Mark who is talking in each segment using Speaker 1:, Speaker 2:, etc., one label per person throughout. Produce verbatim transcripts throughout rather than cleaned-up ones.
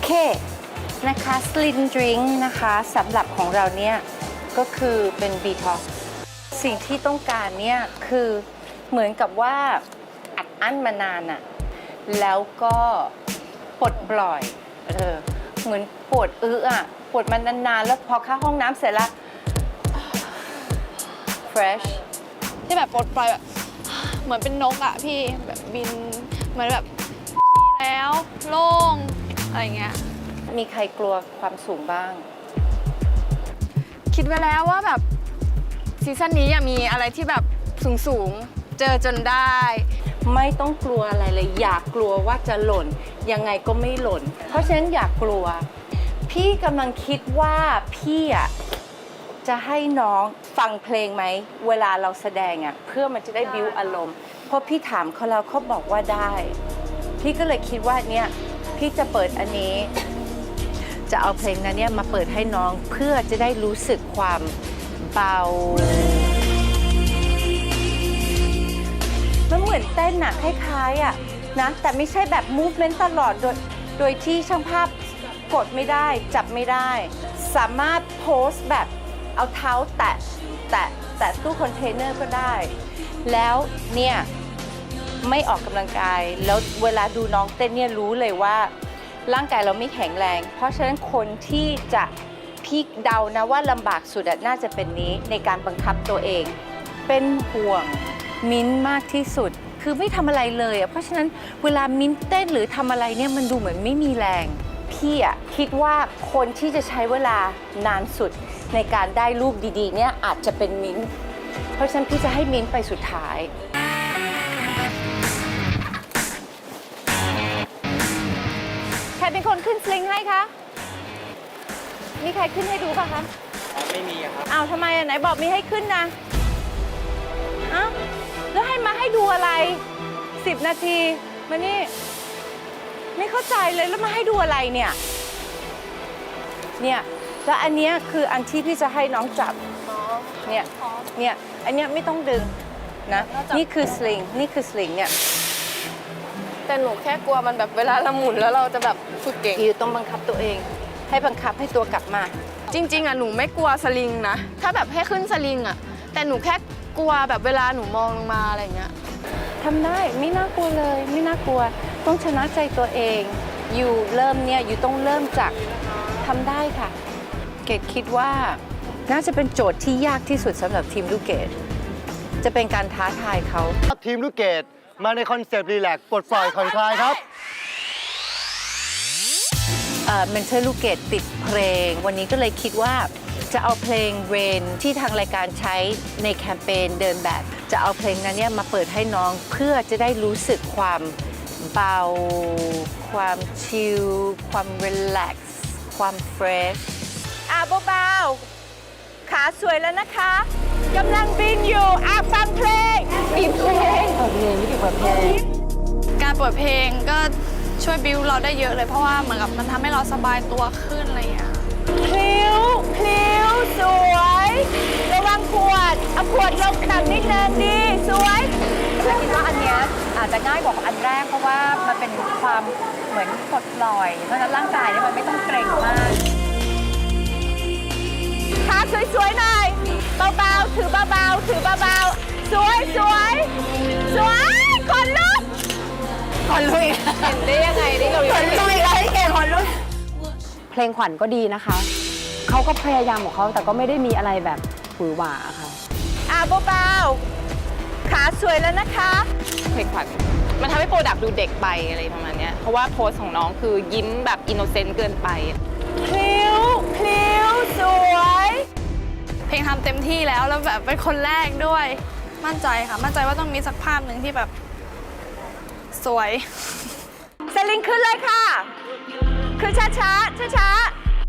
Speaker 1: เคนะคะสลินดริงนะคะสำหรับของเราเนี่ยก็คือเป็นบีท็อกสิ่งที่ต้องการเนี่ยคือเหมือนกับว่าอัดอั้นมานานอะแล้วก็ปลดปล่อยเออเหมือนปวดอื้ออะปวดมันนานๆแล้วพอเข้าห้องน้ำเสร็จแล้ว fresh
Speaker 2: ที่แบบปลดปล่อยแบบเหมือนเป็นนกอะพี่แบบบินเหมือนแบบแล้วโล่งอะไรเงี้ย
Speaker 1: มีใครกลัวความสูงบ้าง
Speaker 2: คิดไว้แล้วว่าแบบซีซั่นนี้มีอะไรที่แบบสูงสูงเจอจนได้
Speaker 1: ไม่ต้องกลัวอะไรเลยอยากกลัวว่าจะหล่นยังไงก็ไม่หล่นเพราะฉะนั้นอยากกลัวพี่กำลังคิดว่าพี่อ่ะจะให้น้องฟังเพลงไหมเวลาเราแสดงอ่ะเพื่อมันจะได้บิ้วอารมณ์เพราะพี่ถามเขาแล้วเขาบอกว่าได้พี่ก็เลยคิดว่าเนี่ยพี่จะเปิดอันนี้จะเอาเพลงนั้นเนี่ยมาเปิดให้น้องเพื่อจะได้รู้สึกความเบามันเหมือนเต้นอะคล้ายๆอะนะแต่ไม่ใช่แบบ movement ตลอดโดยโดยที่ช่างภาพกดไม่ได้จับไม่ได้สามารถโพสแบบเอาเท้าแตะแตะแตะตู้คอนเทนเนอร์ก็ได้แล้วเนี่ยไม่ออกกำลังกายแล้วเวลาดูน้องเต้นเนี่ยรู้เลยว่าร่างกายเราไม่แข็งแรงเพราะฉะนั้นคนที่จะพี่เดานะว่าลำบากสุดน่าจะเป็นนี้ในการบังคับตัวเองเป็นห่วงมิ้นมากที่สุดคือไม่ทำอะไรเลยอ่ะเพราะฉะนั้นเวลามิ้นเต้นหรือทำอะไรเนี่ยมันดูเหมือนไม่มีแรงพี่อ่ะคิดว่าคนที่จะใช้เวลานานสุดในการได้รูปดีๆเนี่ยอาจจะเป็นมิ้นเพราะฉะนั้นพี่จะให้มิ้นไปสุดท้ายใครเป็นคนขึ้นสลิงให้คะมีใครขึ้นให้ดูป่ะคะ
Speaker 3: ไม่มีครับ
Speaker 1: อ้าวทำไมอ่ะไหนบอกมีให้ขึ้นนะอ้าวแล้วให้มาให้ดูอะไรสิบนาทีมานี่ไม่เข้าใจเลยแล้วมาให้ดูอะไรเนี่ยเนี่ยแล้วอันเนี้ยคืออันที่พี่จะให้น้องจับเนี่ยเนี่ยอันเนี้ยไม่ต้องดึงนะนี่คือสลิงนี่คือสลิงเนี่ย
Speaker 2: แต่หนูแค่กลัวมันแบบเวลาเราหมุนแล้วเราจะแบบฝึกเก่ง
Speaker 1: อยู่ต้องบังคับตัวเองให้บังคับให้ตัวกลับมา
Speaker 2: จริงๆอ่ะหนูไม่กลัวสลิงนะถ้าแบบให้ขึ้นสลิงอ่ะแต่หนูแค่กลัวแบบเวลาหนูมองลงมาอะไรเงี้ย
Speaker 1: ทำได้ไม่น่ากลัวเลยไม่น่ากลัวต้องชนะใจตัวเองอยู่เริ่มเนี่ยอยู่ต้องเริ่มจากทำได้ค่ะเกดคิดว่าน่าจะเป็นโจทย์ที่ยากที่สุดสำหรับทีมลูกเกดจะเป็นการท้าทายเขา
Speaker 3: ทีมลูกเกดมาในคอนเซปต์รีแลกซ์ปลดปล่อยผ่อนคลายครับ
Speaker 1: เมนเทอร์ลูกเกดติดเพลงวันนี้ก็เลยคิดว่าจะเอาเพลง Rain ที่ทางรายการใช้ในแคมเปญเดินแบบจะเอาเพลงนั้นเนี่ยมาเปิดให้น้องเพื่อจะได้รู้สึกความเบาความชิลความรีแลกซ์ความเฟรชอ่ะเบาๆขาสวยแล้วนะคะกำลังบินอยู่อ่ะฟังเพลงบินเพลงเปิดเพลงไม่ได้เปิดเพลง
Speaker 2: การเปิดเพลงก็ช่วยบิวเราได้เยอะเลยเพราะว่าเหมือนกับมันทำให้เราสบายตัวขึ้นอะไรอย่างเงี้ย
Speaker 1: พลิ้วพลิ้วสวยระวังขวดเอาขวดลงต่ำนิดนึงดีสวยฉันคิดว่าอันเนี้ยอาจจะง่ายกว่าอันแรกเพราะว่ามันเป็นความเหมือนปลดปล่อยเพราะฉะนั้นร่างกายเนี่ยมันไม่ต้องเกร็งมากขาสวยๆหน่อยเบาๆถือเบาๆถือเบาๆสวยสวยสวยคนลุกคนลุยเห็นได้ยังไงนี่เราคนลุยอะไรเก่งคนลุย
Speaker 4: เพลงขวัญก็ดีนะคะเขาก็พยายามของเขาแต่ก็ไม่ได้มีอะไรแบบหวือหวาค่ะ
Speaker 1: อ่ะเบาๆขาสวยแล้วนะคะ
Speaker 5: เพลงขวัญมันทำให้โปรดักต์ดูเด็กไปอะไรประมาณนี้เพราะว่าโพสของน้องคือยิ้มแบบอินโนเซนต์เกินไป
Speaker 1: พลิ้วพลิ้วสวย
Speaker 2: เพลงทำเต็มที่แล้วแล้วแบบเป็นคนแรกด้วยมั่นใจค่ะมั่นใจว่าต้องมีสักภาพหนึ่งที่แบบสวย
Speaker 1: สลิงขึ้นเลยค่ะคือช้าช้าช้าช้า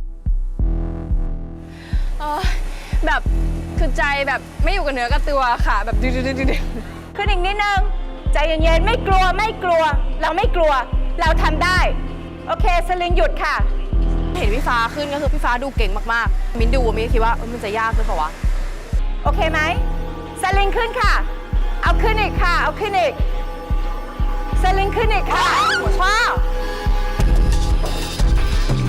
Speaker 2: แบบคือใจแบบไม่อยู่กับเนื้อกับตัวค่ะแบบดื้อดื้อดื้อ
Speaker 1: ขึ้นอีกนิดนึงใจเย็นๆไม่กลัวไม่กลัวเราไม่กลัวเราทำได้โอเคสลิงหยุดค่ะ
Speaker 5: เห็นพี่ฟ้าขึ้นก็คือพี่ฟ้าดูเก่งมากๆมิ้นดูมิ้นคิดว่ามันจะยากขึ้นเปล่าวะ
Speaker 1: โอเคไหมสลิงขึ้นค่ะเอาขึ้นอีกค่ะเอาขึ้นอีกสลิงขึ้นอีกค่ะว้าว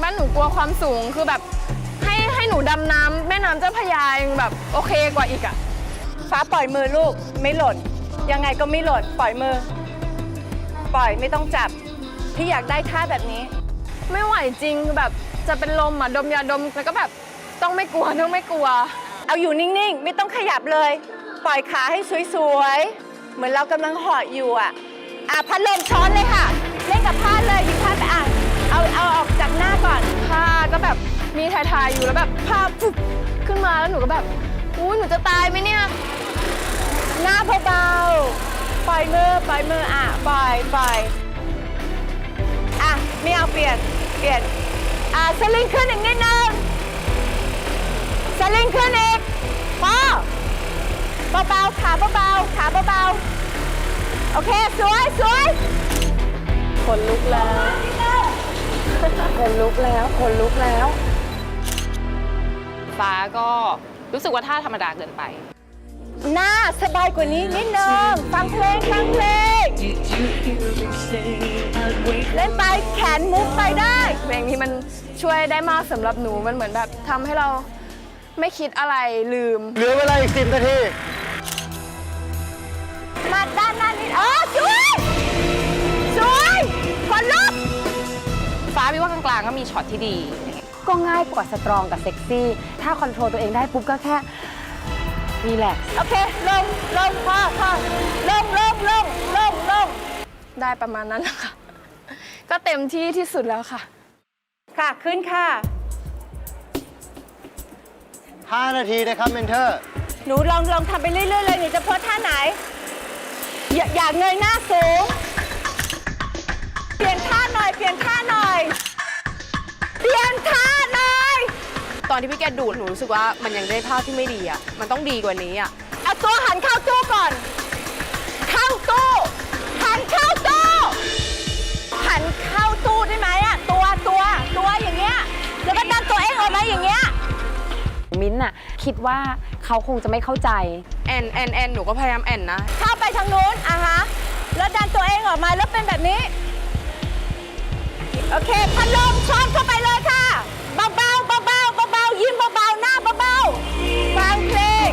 Speaker 2: บ้านหนูกลัวความสูงคือแบบให้ให้หนูดำน้ำแม่น้ำเจ้าพระยายังแบบโอเคกว่าอีกอะ
Speaker 1: ฟ้าปล่อยมือลูกไม่หล่นยังไงก็ไม่หล่นปล่อยมือ ปล่อยไม่ต้องจับพี่อยากได้ท่าแบบนี้
Speaker 2: ไม่ไหวจริงคือแบบจะเป็นลมอ่ะดมยาดมแล้วก็แบบต้องไม่กลัวต้องไม่กลัว
Speaker 1: เอาอยู่นิ่งๆ ไม่ต้องขยับเลย ปล่อยขาให้สวยๆ เหมือนเรากำลังเหาะอยู่อ่ะอ่ะพัดลมช้อนเลยค่ะ เล่นกับผ้าเลยหยิบผ้าไปอ่ะเอาเอาออกจากหน้าก่อน
Speaker 2: ผ้าก็แบบมีถ่ายๆอยู่แล้วแบบผ้าปุ๊บขึ้นมาแล้วหนูก็แบบอู้หนูจะตายไหมเนี่ย
Speaker 1: หน้าเบาๆ ปล่อยมือปล่อยมืออ่ะปล่อยปล่อยอ่ะไม่เอาเปลี่ยนเปลี่ยนอ่ะสลิงขึ้นอีกนิดนึงสลิงขึ้นอีกพอเบาๆขาเบาๆขาเบาๆโอเคสวยสวย
Speaker 4: คนลุกแล้ว คนลุกแล้ว คนลุกแล้ว
Speaker 5: ฟ้าก็รู้สึกว่าท่าธรรมดาเกินไป
Speaker 1: หน้าสบายกว่านี้นิดนึงฟังเพลงฟังเพลงเล่นไปแขนมุกไปได้
Speaker 2: เพลงนี้มันช่วยได้มากสำหรับหนูมันเหมือนแบบทำให้เราไม่คิดอะไรลืม
Speaker 3: เหลือเวลาอีกสิบนาที
Speaker 1: มาด้านหน้านิดเออสวยสวยคนลุก
Speaker 5: ฟ้าพี่ว่ากลางๆก็มีช็อตที่ดี
Speaker 4: ก็ง่ายกว่าสตรองกับเซ็กซี่ ถ้าคอนโทรลตัวเองได้ปุ๊บก็แค่รีแลกซ์
Speaker 1: โอเคลงลงพอพอลงลงลงลงลง
Speaker 2: ได้ประมาณนั้นแหละค่ะ ก็เต็มที่ที่สุดแล้วค่ะ
Speaker 1: ค่ะขึ้นค่ะ
Speaker 3: ห้า นาทีนะครับเมนเทอร์
Speaker 1: หนูลองลองทำไปเรื่อยๆเลยหนูจะโพสท่าไหน อย่าอย่าเงยหน้าสูง เปลี่ยนท่าหน่อย เปลี่ยนท่าหน่อย เปลี่ยนท่าหน่อย
Speaker 6: ตอนที่พี่แกดูดหนูรู้สึกว่ามันยังได้ภาพที่ไม่ดีอ่ะ มันต้องดีกว่านี้อ่ะ
Speaker 1: เอาตัวหันเข้าตู้ก่อน เข้าตู้ หันเข้าตู้ หันเข้าตู้ได้ไหมอะตัวตัวตัวอย่างเงี้ย แล้วก็ดันตัวเองออกมาอย่างเงี้ย
Speaker 4: มิ้นท์น่ะคิดว่าเขาคงจะไม่เข้าใจ
Speaker 6: แอนแอนแอนหนูก็พยายามแอนนะ
Speaker 1: เข้าไปทางนู้นอ่ะฮะ แล้วดันตัวเองออกมาแล้วเป็นแบบนี้ โอเค พัดลมช้อนเข้าไปเลยค่ะ เบาๆเบาๆเบาๆยิ้มเบาๆหน้าเบาๆฟังเพลง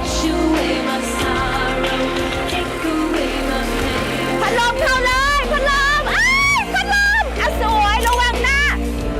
Speaker 1: พัดลมเข้าเลยพัดลมอ้ายพัดลมอ่ะสวยระวังหน้า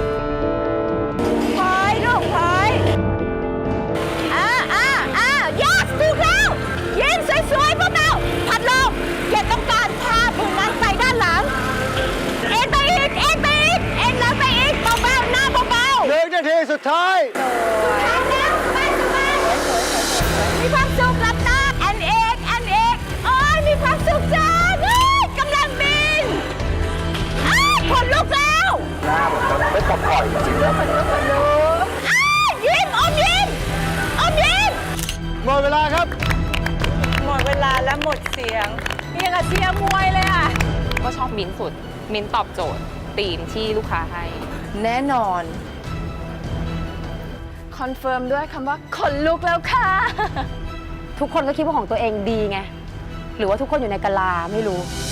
Speaker 1: ถอยลูกถอยอ่าอ่าอ่า yes ถูกแล้วยิ้มสวยๆเบาๆพัดลมอย่าต้องการพาผู้นั้นไปด้านหลัง เอ็นไปอีก เอ็นไปอีก เอ็นแล้วไปอีกเบาๆหน้าเบาๆ
Speaker 3: หนึ่งนาทีสุดท้าย
Speaker 1: ทางแล้วสบายสบายมีความสุขหลับตาแอนเอกแอนเอกโอ้ยมีความสุขจังเอ้ยกำลังบินอ้ายขนลุกแล้วหน้าเหมือนกันไม่ปลอดภัยจริงๆขนลุกขนลุกอ้ายยิ้มอมยิ้มอมยิ้ม
Speaker 3: หมดเวลาครับ
Speaker 1: หมดเวลาแล้วหมดเสียงนี่ยังกับเชียร์มวยเลยอ่ะ
Speaker 5: ก็ชอบมิ้นท์สุด มิ้นท์ตอบโจทย์ธีมที่ลูกค้าให้
Speaker 2: แน่นอน คอนเฟิร์มด้วยคำว่าขนลุกแล้วค่ะ
Speaker 4: ทุกคนก็คิดว่าของตัวเองดีไง หรือว่าทุกคนอยู่ในกะลาไม่รู้